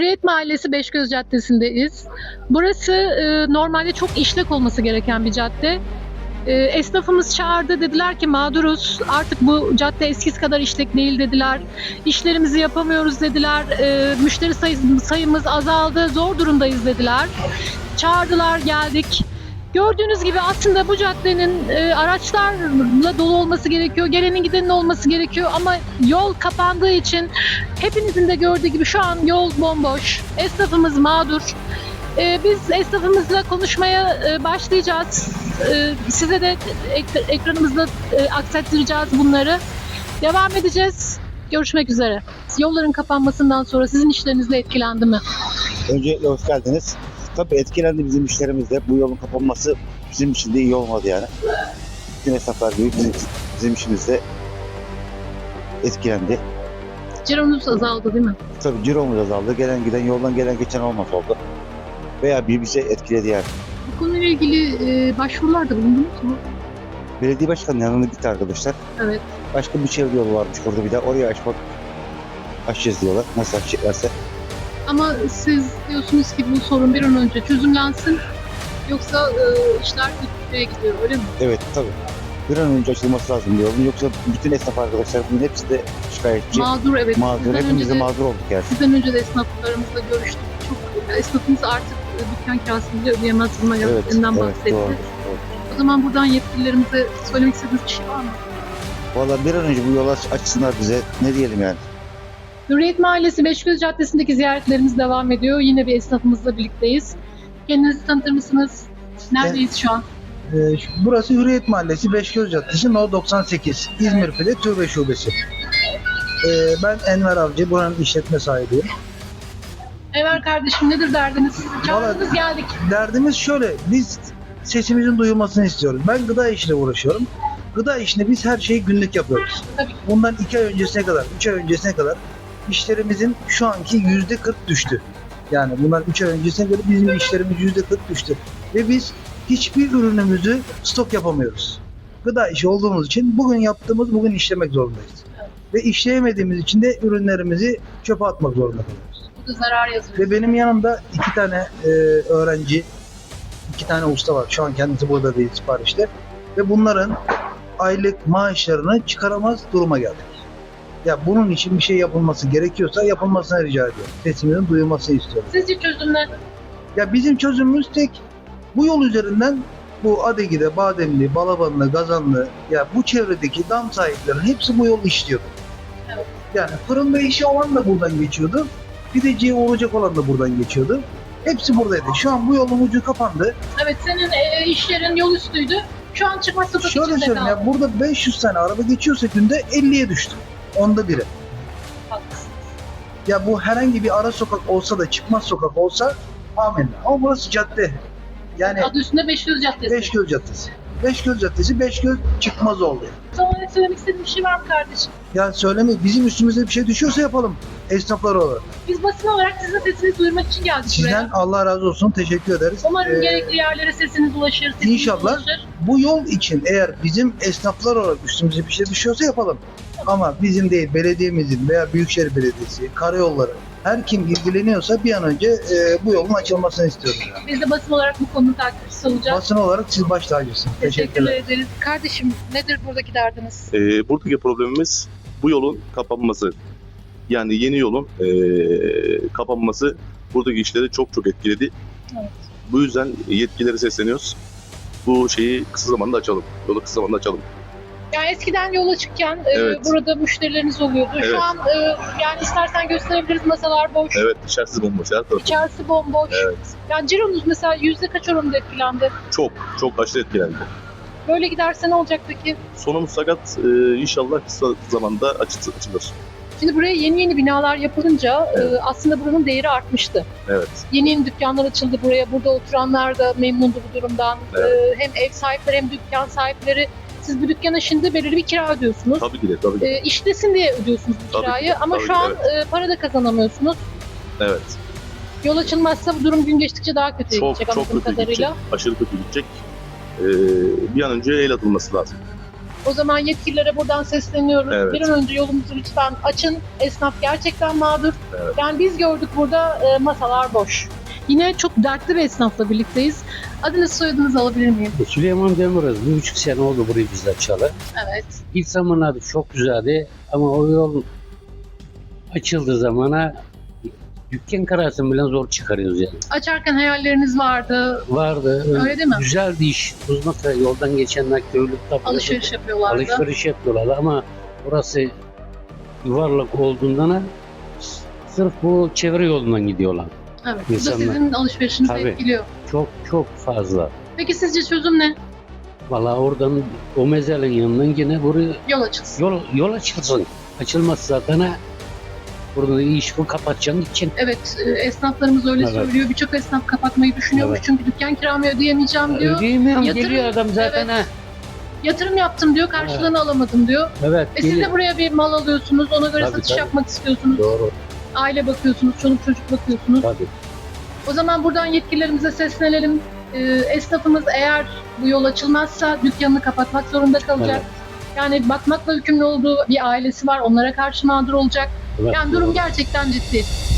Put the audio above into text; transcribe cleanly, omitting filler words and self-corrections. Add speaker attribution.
Speaker 1: Hürriyet Mahallesi Beşgöz Caddesi'ndeyiz. Burası normalde çok işlek olması gereken bir cadde. Esnafımız çağırdı, dediler ki mağduruz, artık bu cadde eskisi kadar işlek değil dediler. İşlerimizi yapamıyoruz dediler, müşteri sayımız azaldı, zor durumdayız dediler. Çağırdılar, geldik. Gördüğünüz gibi aslında bu caddenin araçlarla dolu olması gerekiyor, gelenin gidenin olması gerekiyor ama yol kapandığı için hepinizin de gördüğü gibi şu an yol bomboş, esnafımız mağdur. Biz esnafımızla konuşmaya başlayacağız. Size de ekranımızda aksettireceğiz bunları. Devam edeceğiz. Görüşmek üzere. Yolların kapanmasından sonra sizin işlerinizle etkilendi mi?
Speaker 2: Öncelikle hoş geldiniz. Tabii etkilendi bizim işlerimiz de. Bu yolun kapanması bizim için de iyi olmadı yani. Bütün esnaflar gibi bizim işimiz de etkilendi.
Speaker 1: Cironuz azaldı değil mi?
Speaker 2: Tabii ciromuz azaldı. Gelen giden, yoldan gelen geçen olmaz oldu. Veya bir şey etkiledi yani.
Speaker 1: Bu konuyla ilgili başvurularda bulundunuz mu?
Speaker 2: Belediye başkanının yanına gitti arkadaşlar.
Speaker 1: Evet.
Speaker 2: Başka bir çevre yolu varmış orada bir de. Oraya açacağız diyorlar. Nasıl açacaklarsa.
Speaker 1: Ama siz diyorsunuz ki bu sorun bir an önce çözümlensin. Yoksa işler kötüye gidiyor, öyle mi?
Speaker 2: Evet tabii. Bir an önce açılması lazım bu yolun. Yoksa bütün esnaf arkadaşlar bunun hepsi de şikayetçi.
Speaker 1: Mağdur, evet.
Speaker 2: Mağdur. Hepimiz de mağdur olduk yani.
Speaker 1: Sizden önce de esnaflarımızla görüştük. Çok esnafımız artık dükkan kirasını bile ödeyemez duruma geldiğinden bahsetti.
Speaker 2: Doğru.
Speaker 1: O zaman buradan yetkililerimize söylemek istediğiniz bir şey var mı?
Speaker 2: Valla bir an önce bu yola açsınlar bize. Ne diyelim yani.
Speaker 1: Hürriyet Mahallesi Beşgöz Caddesi'ndeki ziyaretlerimiz devam ediyor. Yine bir esnafımızla birlikteyiz. Kendinizi tanıtır mısınız? Neredeyiz şu an?
Speaker 3: Burası Hürriyet Mahallesi Beşgöz Caddesi No 98 İzmir Pide Türbe Şubesi. Ben Enver Avcı, buranın işletme sahibiyim.
Speaker 1: Enver kardeşim, nedir derdiniz? Çağırdınız, geldik.
Speaker 3: Derdimiz şöyle, biz sesimizin duyulmasını istiyoruz. Ben gıda işiyle uğraşıyorum. Gıda işinde biz her şeyi günlük yapıyoruz.
Speaker 1: Tabii.
Speaker 3: Bundan 2 ay öncesine kadar, 3 ay öncesine kadar işlerimizin şu anki %40 düştü. Yani bundan 3 ay öncesine göre bizim işlerimiz %40 düştü. Ve biz hiçbir ürünümüzü stok yapamıyoruz. Gıda işi olduğumuz için bugün yaptığımız bugün işlemek zorundayız. Ve işleyemediğimiz için de ürünlerimizi çöpe atmak zorunda kalıyoruz.
Speaker 1: Bu da zarar yazıyor.
Speaker 3: Ve benim yanımda 2 tane öğrenci, 2 tane usta var. Şu an kendisi burada değil, siparişte. Ve bunların aylık maaşlarını çıkaramaz duruma geldik. Ya bunun için bir şey yapılması gerekiyorsa yapılmasını rica ediyorum. Sesimizin duyulmasını istiyorum.
Speaker 1: Sizce çözüm ne?
Speaker 3: Ya bizim çözümümüz tek. Bu yol üzerinden bu Adegi'de, Bademli, Balabanlı, Gazanlı, ya bu çevredeki dam sahiplerinin hepsi bu yolu işliyordu.
Speaker 1: Evet.
Speaker 3: Yani fırında işi olan da buradan geçiyordu. Pideciye uğrayacak olan da buradan geçiyordu. Hepsi buradaydı. Şu an bu yolun ucu kapandı.
Speaker 1: Evet, senin iş yerin yol üstüydü. Şu an çıkmaz sokak
Speaker 3: Şöyle
Speaker 1: içinde
Speaker 3: söyleyeyim
Speaker 1: kaldı.
Speaker 3: ya, burada 500 tane araba geçiyorsa günde 50'ye düştü. Onda biri.
Speaker 1: Haklısın.
Speaker 3: Ya bu herhangi bir ara sokak olsa da çıkmaz sokak olsa amenna. Ama burası cadde. Yani
Speaker 1: Adı üstünde Beşgöz Caddesi.
Speaker 3: Beşgöz Caddesi. Beşgöz Caddesi, Beşgöz çıkmaz oldu.
Speaker 1: Sana söylemek istediğin bir şey var mı kardeşim?
Speaker 3: Ya söylemeyin, bizim üstümüze bir şey düşüyorsa yapalım esnaflar olarak.
Speaker 1: Biz basın olarak sizin sesinizi duyurmak için geldik
Speaker 3: Sizden
Speaker 1: buraya.
Speaker 3: Allah razı olsun, teşekkür ederiz.
Speaker 1: Umarım gerekli yerlere sesiniz ulaşır. Sesiniz
Speaker 3: İnşallah.
Speaker 1: ulaşır.
Speaker 3: Bu yol için eğer bizim esnaflar olarak üstümüze bir şey düşüyorsa yapalım. Ama bizim değil, belediyemizin veya Büyükşehir Belediyesi, karayolları, her kim ilgileniyorsa bir an önce bu yolun açılmasını istiyoruz. Yani.
Speaker 1: Biz de basın olarak bu konunun takipçisi olacağız.
Speaker 3: Basın olarak siz baş tacısınız.
Speaker 1: Teşekkür ederiz. Kardeşim, nedir buradaki derdiniz?
Speaker 4: Buradaki problemimiz bu yolun kapanması. Yani yeni yolun kapanması buradaki işleri çok etkiledi.
Speaker 1: Evet.
Speaker 4: Bu yüzden yetkililere sesleniyoruz. Bu şeyi kısa zamanda açalım. Yolu kısa zamanda açalım.
Speaker 1: Yani eskiden yola çıkken
Speaker 4: Evet.
Speaker 1: burada müşterileriniz oluyordu.
Speaker 4: Evet.
Speaker 1: Şu an yani istersen gösterebiliriz, masalar boş.
Speaker 4: Evet, içerisi bomboş. Her tarafı.
Speaker 1: İçerisi bomboş.
Speaker 4: Evet.
Speaker 1: Yani cironuz mesela yüzde kaç oranında etkilendi?
Speaker 4: Çok aşırı etkilendi.
Speaker 1: Böyle giderse ne olacak peki?
Speaker 4: Sonumuz sakat. İnşallah kısa zamanda açılır.
Speaker 1: Şimdi buraya yeni binalar yapılınca
Speaker 4: Evet.
Speaker 1: aslında buranın değeri artmıştı.
Speaker 4: Evet.
Speaker 1: Yeni dükkanlar açıldı buraya. Burada oturanlar da memnundu bu durumdan.
Speaker 4: Evet.
Speaker 1: Hem ev sahipleri hem dükkan sahipleri. Siz bu dükkana şimdi belirli bir kira ödüyorsunuz.
Speaker 4: Tabii ki de.
Speaker 1: İşlesin diye ödüyorsunuz bu
Speaker 4: Tabii ki
Speaker 1: kirayı
Speaker 4: de,
Speaker 1: ama
Speaker 4: tabii
Speaker 1: şu
Speaker 4: ki,
Speaker 1: an para da kazanamıyorsunuz.
Speaker 4: Evet.
Speaker 1: Yol açılmazsa bu durum gün geçtikçe daha kötüye
Speaker 4: Çok
Speaker 1: gidecek
Speaker 4: kötü
Speaker 1: anladığım
Speaker 4: gidecek.
Speaker 1: kadarıyla.
Speaker 4: Aşırı kötü gidecek. Bir an önce el atılması lazım.
Speaker 1: O zaman yetkililere buradan sesleniyoruz.
Speaker 4: Evet.
Speaker 1: Bir an önce yolumuzu lütfen açın. Esnaf gerçekten mağdur.
Speaker 4: Evet.
Speaker 1: Yani biz gördük burada masalar boş. Yine çok dertli bir esnafla birlikteyiz. Adınızı soyadınızı alabilir miyim?
Speaker 5: Süleyman Demiröz 1,5 sene oldu burayı biz açalı.
Speaker 1: Evet.
Speaker 5: İlk zamanlarda çok güzeldi ama o yol açıldığı zamana dükkan karasını bile zor çıkarıyoruz yani.
Speaker 1: Açarken hayalleriniz vardı.
Speaker 5: Vardı.
Speaker 1: Öyle değil mi?
Speaker 5: Güzeldi iş. Uzmasa yoldan geçenler köylükte
Speaker 1: Alışveriş yapıyorlardı.
Speaker 5: alışveriş yapıyorlardı ama burası yuvarlak olduğundan sırf bu çevre yolundan gidiyorlar.
Speaker 1: Evet. Bu da
Speaker 5: İnsanlar.
Speaker 1: sizin alışverişinizi
Speaker 5: Tabii.
Speaker 1: etkiliyor.
Speaker 5: Çok fazla.
Speaker 1: Peki sizce çözüm ne?
Speaker 5: Vallahi oradan o mezelin yanından yine buraya
Speaker 1: Yol açılsın.
Speaker 5: yol açılsın. Açılmaz zaten ha. Burada iş bu kapatacaksın gideceksin.
Speaker 1: Evet, esnaflarımız öyle
Speaker 5: Evet.
Speaker 1: söylüyor. Birçok esnaf kapatmayı düşünüyormuş
Speaker 5: Evet.
Speaker 1: çünkü dükkan kiramı ödeyemeyeceğim diyor.
Speaker 5: Ödeyemiyorum
Speaker 1: Yatırım-
Speaker 5: geliyor adam zaten
Speaker 1: Evet.
Speaker 5: ha.
Speaker 1: Yatırım yaptım diyor, karşılığını alamadım diyor.
Speaker 5: Evet.
Speaker 1: Siz
Speaker 5: geliyor.
Speaker 1: de buraya bir mal alıyorsunuz, ona göre
Speaker 5: Tabii,
Speaker 1: satış
Speaker 5: tabii.
Speaker 1: yapmak istiyorsunuz.
Speaker 5: Doğru.
Speaker 1: Aile bakıyorsunuz, çoluk çocuk bakıyorsunuz.
Speaker 5: Tabii.
Speaker 1: O zaman buradan yetkililerimize seslenelim. Esnafımız eğer bu yol açılmazsa dükkanını kapatmak zorunda kalacak. Yani bakmakla yükümlü olduğu bir ailesi var, onlara karşı mağdur olacak.
Speaker 5: Evet,
Speaker 1: Yani durum
Speaker 5: doğru.
Speaker 1: gerçekten ciddi.